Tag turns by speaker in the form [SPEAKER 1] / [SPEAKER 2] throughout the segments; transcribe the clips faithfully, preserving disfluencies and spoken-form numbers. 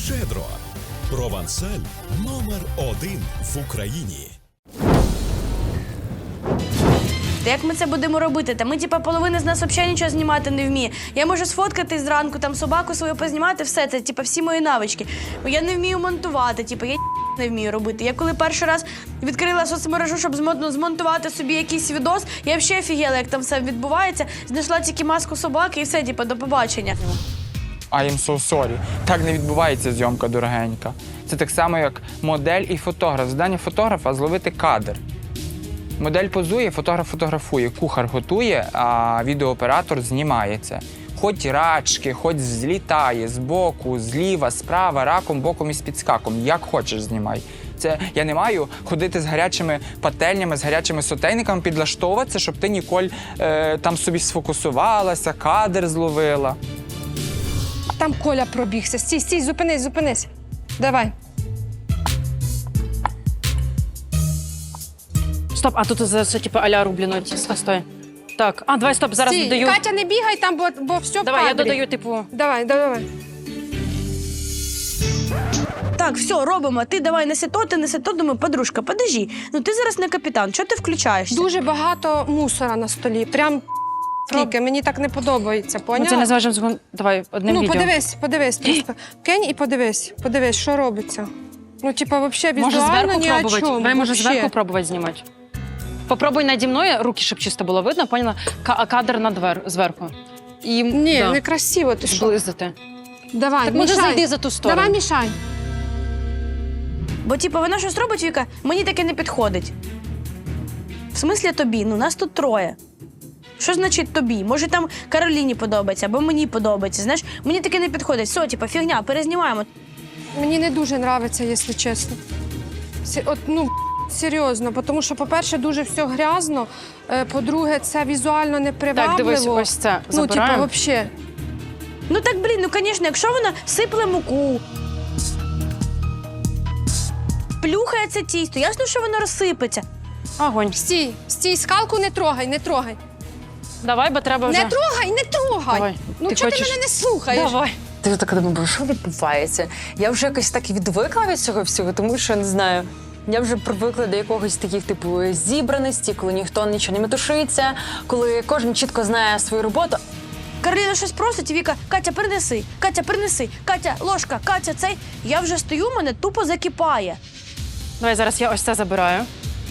[SPEAKER 1] Щедро. Провансаль номер один в Україні.
[SPEAKER 2] Та як ми це будемо робити? Та ми, типа, половина з нас взагалі нічого знімати не вміє. Я можу сфоткати зранку, там, собаку свою познімати, все це, типа, всі мої навички. Я не вмію монтувати, типа, я не вмію робити. Я коли перший раз відкрила соцмережу, щоб змонтувати собі якийсь відос, я взагалі офігела, як там все відбувається. Знайшла тільки маску собаки і все, типа, до побачення.
[SPEAKER 3] I am so sorry. Так не відбувається зйомка дорогенька. Це так само, як модель і фотограф. Завдання фотографа – зловити кадр. Модель позує, фотограф фотографує, кухар готує, а відеооператор знімає це. Хоч рачки, хоч злітає збоку, зліва, справа, раком, боком і з підскаком. Як хочеш знімай. Це я не маю ходити з гарячими пательнями, з гарячими сотейниками, підлаштовуватися, щоб ти ніколи е, там собі сфокусувалася, кадр зловила.
[SPEAKER 4] Там Коля пробігся. Стій, стій, зупинись, зупинись. Давай.
[SPEAKER 5] Стоп, а тут це, типу, а-ля рублено. Стой, стой. Так, а, давай, стоп, зараз
[SPEAKER 4] Стій,
[SPEAKER 5] додаю.
[SPEAKER 4] Катя, не бігай там, бо, бо все в
[SPEAKER 5] Давай, я
[SPEAKER 4] кадрі.
[SPEAKER 5] додаю, типу...
[SPEAKER 4] Давай, давай.
[SPEAKER 2] Так, все, робимо. Ти давай неси то, ти неси то. Думаю, подружка, подожди. Ну ти зараз не капітан, чого ти включаєшся?
[SPEAKER 4] Дуже багато мусора на столі. Прям скільки. Мені так не подобається,
[SPEAKER 5] Ну,
[SPEAKER 4] поняла?
[SPEAKER 5] це не зважимо згон... Давай, одним
[SPEAKER 4] Ну,
[SPEAKER 5] відео.
[SPEAKER 4] подивись, подивись просто. Кинь і подивись. Подивись, що робиться. Ну, типа, взагалі,
[SPEAKER 5] Може
[SPEAKER 4] візуально
[SPEAKER 5] зверху
[SPEAKER 4] ні о
[SPEAKER 5] пробувати?
[SPEAKER 4] чому.
[SPEAKER 5] Давай, може
[SPEAKER 4] вообще.
[SPEAKER 5] зверху пробувати знімати. Попробуй наді мною, руки, щоб чисто було видно, поняла? Ка- а кадр надвер... зверху. І,
[SPEAKER 4] Ні,
[SPEAKER 5] да,
[SPEAKER 4] не красиво, ти що?
[SPEAKER 5] зблизити.
[SPEAKER 4] Давай,
[SPEAKER 5] Так може
[SPEAKER 4] мішай.
[SPEAKER 5] зайди за ту сторону.
[SPEAKER 4] Давай, мішай.
[SPEAKER 2] Бо, типу, вона щось робить, Віка, мені таке не підходить. В смислі тобі? Ну, нас тут троє. Що значить тобі? Може, там Кароліні подобається, або мені подобається. Знаєш, мені таке не підходить. Все, типу, фігня, перезнімаємо.
[SPEAKER 4] Мені не дуже подобається, якщо чесно. Сі- От, ну, серйозно, тому що, по-перше, дуже все грязно, е, по-друге, це візуально непривабливо.
[SPEAKER 5] Так, дивись, ось це
[SPEAKER 4] Ну, типу,
[SPEAKER 5] забираємо.
[SPEAKER 4] взагалі.
[SPEAKER 2] Ну так, блін, ну, звісно, якщо вона сипле муку, плюхає це тісто, ясно, що воно розсипеться.
[SPEAKER 5] Огонь.
[SPEAKER 4] Стій, стій, скалку не трогай, не трогай.
[SPEAKER 5] Давай, бо треба вже...
[SPEAKER 4] Не трогай, не трогай.
[SPEAKER 5] Давай.
[SPEAKER 4] Ну,
[SPEAKER 5] Ти
[SPEAKER 4] чого
[SPEAKER 5] хочеш?
[SPEAKER 4] ти мене не слухаєш?
[SPEAKER 5] Давай.
[SPEAKER 6] Ти така думаю, що відбувається? Я вже якось так відвикла від цього всього, тому що, не знаю, я вже привикла до якогось таких, типу, зібраності, коли ніхто нічого не метушиться, коли кожен чітко знає свою роботу.
[SPEAKER 2] Кароліна щось просить, і Віка, Катя, принеси, Катя, принеси, Катя, ложка, Катя, цей. Я вже стою, мене тупо закипає.
[SPEAKER 5] Давай, зараз я ось це забираю.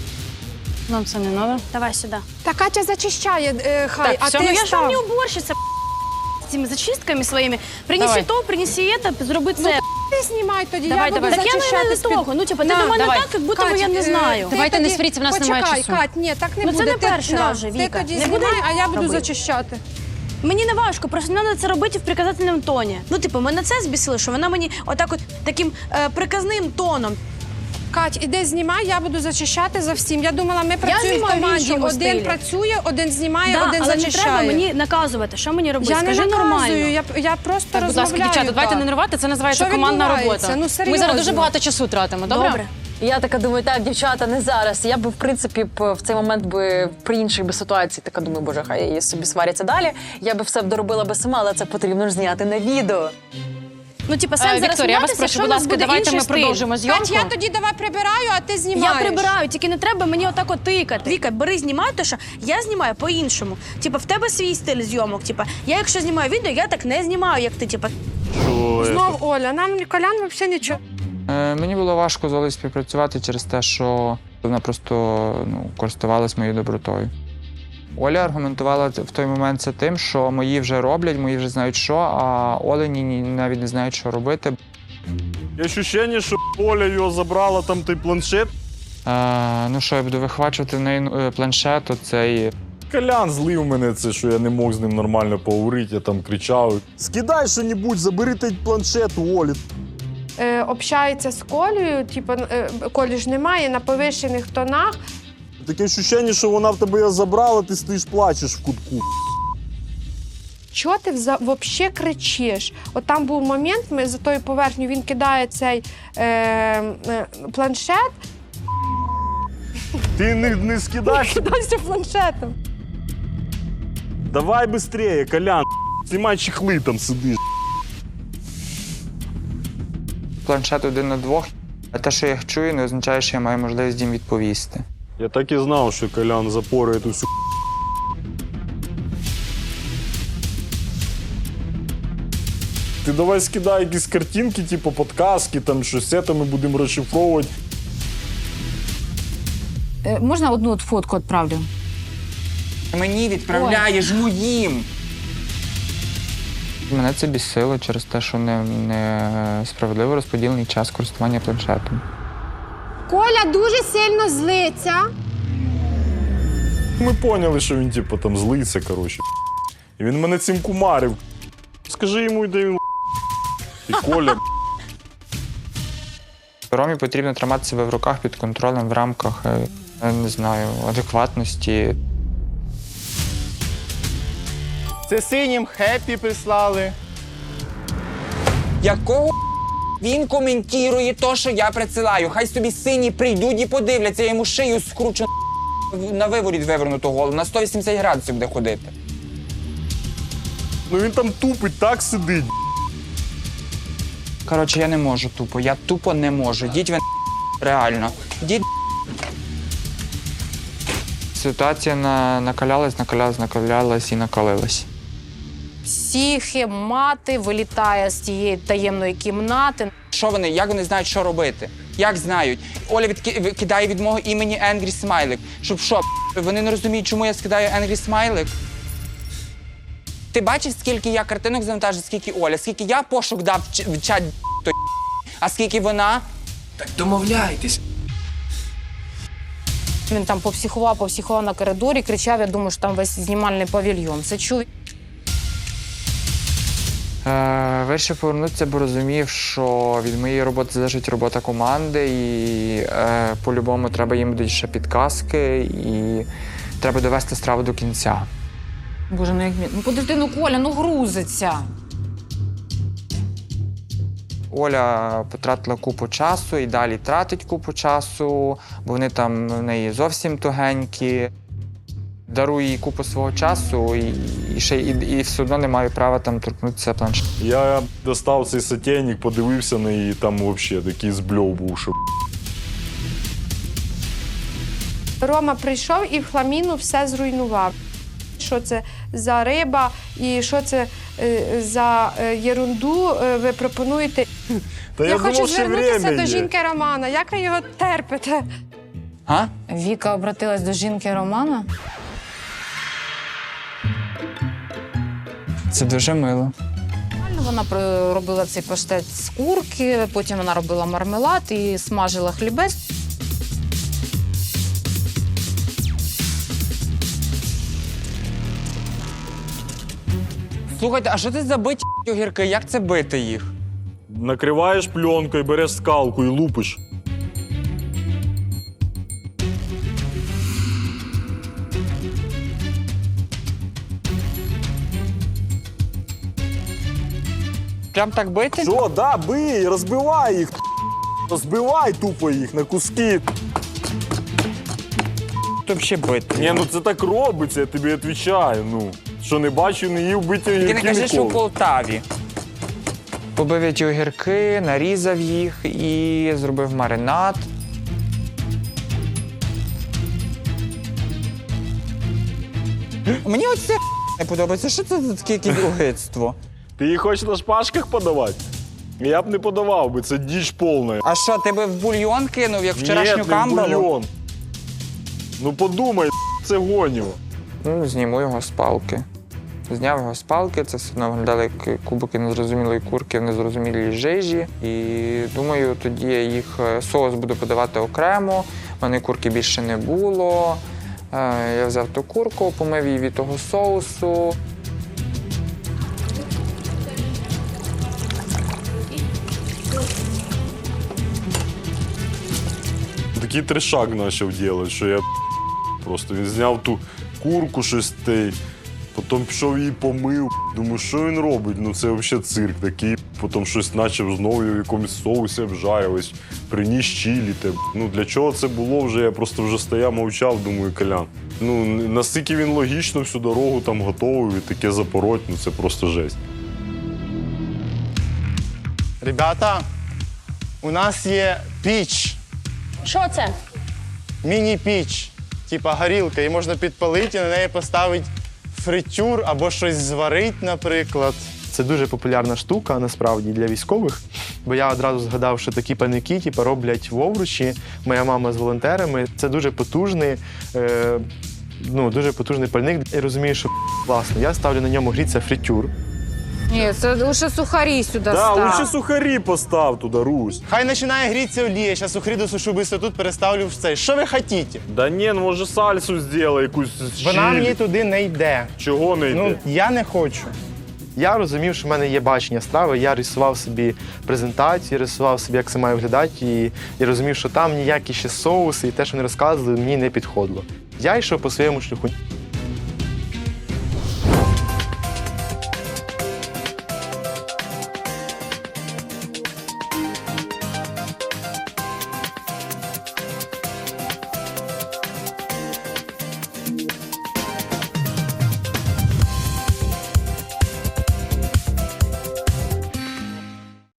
[SPEAKER 5] Нам це не треба.
[SPEAKER 2] Давай сюди.
[SPEAKER 4] Та Катя зачищає, е, хай,
[SPEAKER 5] Так,
[SPEAKER 4] а
[SPEAKER 5] все,
[SPEAKER 4] ти
[SPEAKER 5] ну
[SPEAKER 2] Я ж
[SPEAKER 4] став.
[SPEAKER 2] вам не уборщиця з цими зачистками своїми. Принеси
[SPEAKER 5] Давай.
[SPEAKER 2] то, принеси це, зроби це.
[SPEAKER 4] Ти знімай тоді,
[SPEAKER 5] Давай,
[SPEAKER 4] я буду
[SPEAKER 5] давай.
[SPEAKER 2] Так я
[SPEAKER 4] зачищати
[SPEAKER 2] не
[SPEAKER 4] з-під-
[SPEAKER 2] того. Ну, типу, ти
[SPEAKER 4] На,
[SPEAKER 2] до мене
[SPEAKER 5] давай.
[SPEAKER 2] так, як будто би
[SPEAKER 4] Кать,
[SPEAKER 2] я не
[SPEAKER 4] е,
[SPEAKER 2] знаю.
[SPEAKER 4] ти
[SPEAKER 5] Давайте не
[SPEAKER 4] тоді-
[SPEAKER 5] сваріться, в нас немає
[SPEAKER 4] Почекай,
[SPEAKER 5] часу.
[SPEAKER 4] Кать, ні, так не
[SPEAKER 2] Ну, це
[SPEAKER 4] буде.
[SPEAKER 2] не
[SPEAKER 4] Ти-
[SPEAKER 2] перший
[SPEAKER 4] на,
[SPEAKER 2] раз вже,
[SPEAKER 4] Ти
[SPEAKER 2] Віка.
[SPEAKER 4] тоді
[SPEAKER 2] Не буде
[SPEAKER 4] знімай, а я буду
[SPEAKER 2] робити.
[SPEAKER 4] зачищати.
[SPEAKER 2] Мені не важко, просто треба це робити в приказательному тоні. Ну, типу, мене це збісило, що вона мені отак от таким е, приказним тоном.
[SPEAKER 4] Кать, іди знімай, я буду зачищати за всім. Я думала, ми працюємо в
[SPEAKER 2] знімаю в
[SPEAKER 4] команді.
[SPEAKER 2] іншому
[SPEAKER 4] Один
[SPEAKER 2] стилі.
[SPEAKER 4] працює, один знімає,
[SPEAKER 2] Да,
[SPEAKER 4] один
[SPEAKER 2] але не
[SPEAKER 4] зачищає.
[SPEAKER 2] треба мені наказувати, що мені робити.
[SPEAKER 4] Я не
[SPEAKER 2] Скажи
[SPEAKER 4] наказую,
[SPEAKER 2] нормально.
[SPEAKER 4] я, я просто
[SPEAKER 5] Так, будь ласка,
[SPEAKER 4] розмовляю.
[SPEAKER 5] дівчата, давайте
[SPEAKER 4] так.
[SPEAKER 5] не нервувати, це називається
[SPEAKER 4] Що
[SPEAKER 5] командна
[SPEAKER 4] відбувається?
[SPEAKER 5] робота.
[SPEAKER 4] Ну,
[SPEAKER 5] Ми
[SPEAKER 4] серйозно.
[SPEAKER 5] зараз дуже багато часу тратимо, добре?
[SPEAKER 2] Добре.
[SPEAKER 6] І я така думаю, так, дівчата, не зараз. Я би, в принципі, б в цей момент би при іншій би ситуації така думаю, боже, хай її собі сваряться далі. Я би все б доробила би сама, але це потрібно ж зняти на відео.
[SPEAKER 2] Ну, типу,
[SPEAKER 5] Е,
[SPEAKER 2] сенс зараз
[SPEAKER 5] Вікторія, я вас
[SPEAKER 2] сміятися,
[SPEAKER 5] прошу,
[SPEAKER 2] що
[SPEAKER 5] будь
[SPEAKER 2] в нас
[SPEAKER 5] ласка,
[SPEAKER 2] буде
[SPEAKER 5] давайте
[SPEAKER 2] інший
[SPEAKER 5] ми
[SPEAKER 2] стиль.
[SPEAKER 5] продовжимо зйомку.
[SPEAKER 4] Кать, я тоді давай прибираю, а ти знімаєш.
[SPEAKER 2] Я прибираю, тільки не треба мені отак от тикати. Віка, бери, знімай, то що я знімаю по-іншому. Типа, в тебе свій стиль зйомок. Типа, я якщо знімаю відео, я так не знімаю, як ти. Типа,
[SPEAKER 4] Знов Оля, нам Колян взагалі нічого.
[SPEAKER 3] Е, мені було важко з Олею співпрацювати через те, що вона просто ну, користувалась моєю добротою. Оля аргументувала в той момент це тим, що мої вже роблять, мої вже знають що, а Олені ні- навіть не знають, що робити.
[SPEAKER 7] Є ощущення, що Оля його забрала там той планшет.
[SPEAKER 3] Е, ну що, я буду вихвачувати в неї е, планшет, оцей.
[SPEAKER 7] Колян злив мене це, що я не мог з ним нормально поговорити, я там кричав. Скидай що-небудь, забери той планшет у Олі.
[SPEAKER 4] Е, общається з Колею, типу, е, Колі ж немає, на повищених тонах.
[SPEAKER 7] Таке ощущення, що вона в тебе його забрала, ти стоїш плачеш в кутку.
[SPEAKER 4] Чого ти взагалі кричиш? От там був момент, ми за тою поверхню він кидає цей е, е, планшет,
[SPEAKER 7] Ти не, не скидай.
[SPEAKER 4] кидайся планшетом.
[SPEAKER 7] Давай швидше, Колян. Знімай чехли там сидиш.
[SPEAKER 3] планшет один на двох, а те, що я їх чую, не означає, що я маю можливість їм відповісти.
[SPEAKER 7] Я так і знав, що Колян запорує ту всю. Ти давай скидай якісь картинки, типу подказки, там щось це, ми будемо розшифровувати.
[SPEAKER 8] Е, Можна одну от фотку відправлю?
[SPEAKER 3] Мені відправляєш моїм! Мене це бісило через те, що не, не справедливо розподілений час користування планшетом.
[SPEAKER 4] Коля дуже сильно злиться.
[SPEAKER 7] Ми поняли, що він типу там злиться, коротше. І він мене цим кумарив. Скажи йому, де він. І Коля.
[SPEAKER 3] Ромі потрібно тримати себе в руках під контролем в рамках, е, я не знаю, адекватності.
[SPEAKER 9] Це синім хеппі прислали.
[SPEAKER 3] Якого він коментує те, що я присилаю? Хай собі сині прийдуть і подивляться, я йому шию скручу на виворіт вивернуту голову, на сто вісімдесят градусів буде ходити.
[SPEAKER 7] Ну він там тупить, так сидить.
[SPEAKER 3] Коротше, я не можу тупо, я тупо не можу. Діть ви реально. Діть. Ситуація на... накалялась, накалялась, накалялась і накалилась.
[SPEAKER 8] Психи, мати вилітає з тієї таємної кімнати.
[SPEAKER 3] Що вони, як вони знають, що робити? Як знають? Оля відки... кидає від мого імені Angry Смайлик. Щоб що, вони не розуміють, чому я скидаю Angry Смайлик? Ти бачиш, скільки я картинок завантажив, скільки Оля, скільки я пошук дав в, ч... в чат, той, а скільки вона?
[SPEAKER 10] Так домовляйтесь.
[SPEAKER 8] Він там попсихував, попсихував на коридорі, кричав, я думаю, що там весь знімальний павільйон. Це чув.
[SPEAKER 3] Е, вирішив повернутися, бо розумів, що від моєї роботи залежить робота команди, і е, по-любому треба їм будуть ще підказки, і треба довести страву до кінця.
[SPEAKER 8] Боже, ну як мені. Ну подожди, ну Коля, ну грузиться.
[SPEAKER 3] Оля потратила купу часу і далі тратить купу часу, бо вони там в неї зовсім тугенькі. Дарую їй купу свого часу і, і, ще, і, і все одно не маю права там торкнутися планшету.
[SPEAKER 7] Я достав цей сотейник, подивився на її, там взагалі такий збльов був, що.
[SPEAKER 4] Рома прийшов і в хламіну все зруйнував. Що це за риба і що це е, за е, єрунду е, ви пропонуєте.
[SPEAKER 7] Та я,
[SPEAKER 4] Я
[SPEAKER 7] думав,
[SPEAKER 4] хочу
[SPEAKER 7] що
[SPEAKER 4] звернутися
[SPEAKER 7] время
[SPEAKER 4] до
[SPEAKER 7] є.
[SPEAKER 4] жінки Романа. Як ви його терпите?
[SPEAKER 3] А?
[SPEAKER 8] Віка обратилась до жінки Романа.
[SPEAKER 3] Це дуже мило.
[SPEAKER 8] Вона при- робила цей паштет з курки, потім вона робила мармелад і смажила хлібець.
[SPEAKER 3] Слухайте, а що це за биті огірки? Як це бити їх?
[SPEAKER 7] Накриваєш пленкою, береш скалку і лупиш.
[SPEAKER 3] Прям так бити?
[SPEAKER 7] Що, да, бий, розбивай їх. Розбивай тупо їх на куски.
[SPEAKER 3] То взагалі бити.
[SPEAKER 7] Ні, ну це так робиться, я тобі відповідаю. Ну, що не бачив, не їв биті
[SPEAKER 3] Ти не
[SPEAKER 7] огірки
[SPEAKER 3] кажи, що в
[SPEAKER 7] ніколи.
[SPEAKER 3] Полтаві. Побив я ті огірки, нарізав їх і зробив маринад. Мені оце не подобається. Що це за таке якесь огидство?
[SPEAKER 7] Ти їх хочеш на шпажках подавати? Я б не подавав би, це діч повна.
[SPEAKER 3] А що, ти би в бульйон кинув, як вчорашню
[SPEAKER 7] Ні, не в
[SPEAKER 3] камбалу?
[SPEAKER 7] бульйон. Ну подумай, це гоніво.
[SPEAKER 3] Ну, зніму його з палки. Зняв його з палки, це все одно виглядало як кубики незрозумілої курки в незрозумілій жижі. І думаю, тоді я їх соус буду подавати окремо. У мене курки більше не було. Е, Я взяв ту курку, помив її від того соусу.
[SPEAKER 7] Такий трешак почав робити, що я просто він зняв ту курку щось те, потім пішов її помив. Думаю, що він робить? Ну це взагалі цирк такий. Потім щось почав знову в якомусь соусі обжарювати, приніс чилі. Те. Ну для чого це було вже? Я просто вже стояв, мовчав, думаю, Колян. Ну настільки він логічно всю дорогу там готовий і таке запороть, ну це просто жесть.
[SPEAKER 9] Ребята, У нас є піч,
[SPEAKER 5] Що це?
[SPEAKER 9] міні-піч, типа горілка, і можна підпалити і на неї поставити фритюр або щось зварити, наприклад. Це дуже популярна штука, насправді, для військових, бо я одразу згадав, що такі пальники типу, роблять в Овручі, моя мама з волонтерами. Це дуже потужний, е, ну, дуже потужний пальник. Я розумію, що класно. Я ставлю на ньому гріться фритюр.
[SPEAKER 8] Ні, це лише сухарі сюди
[SPEAKER 7] Да,
[SPEAKER 8] став.
[SPEAKER 7] лучше сухарі постав туди, Русь.
[SPEAKER 9] Хай починає грітися олія, зараз сухарі досушу, быстро тут переставлю в цей. Що ви хочете?
[SPEAKER 7] Да ні, ну може сальсу зробай, якусь з
[SPEAKER 9] Вона
[SPEAKER 7] чилі.
[SPEAKER 9] мені туди не йде.
[SPEAKER 7] Чого не йде?
[SPEAKER 9] Ну, я не хочу.
[SPEAKER 11] Я розумів, що в мене є бачення страви, я рисував собі презентацію, рисував собі, як це має виглядати, і, і розумів, що там ніякі ще соуси і те, що вони розказували, мені не підходило. Я йшов по своєму шляху.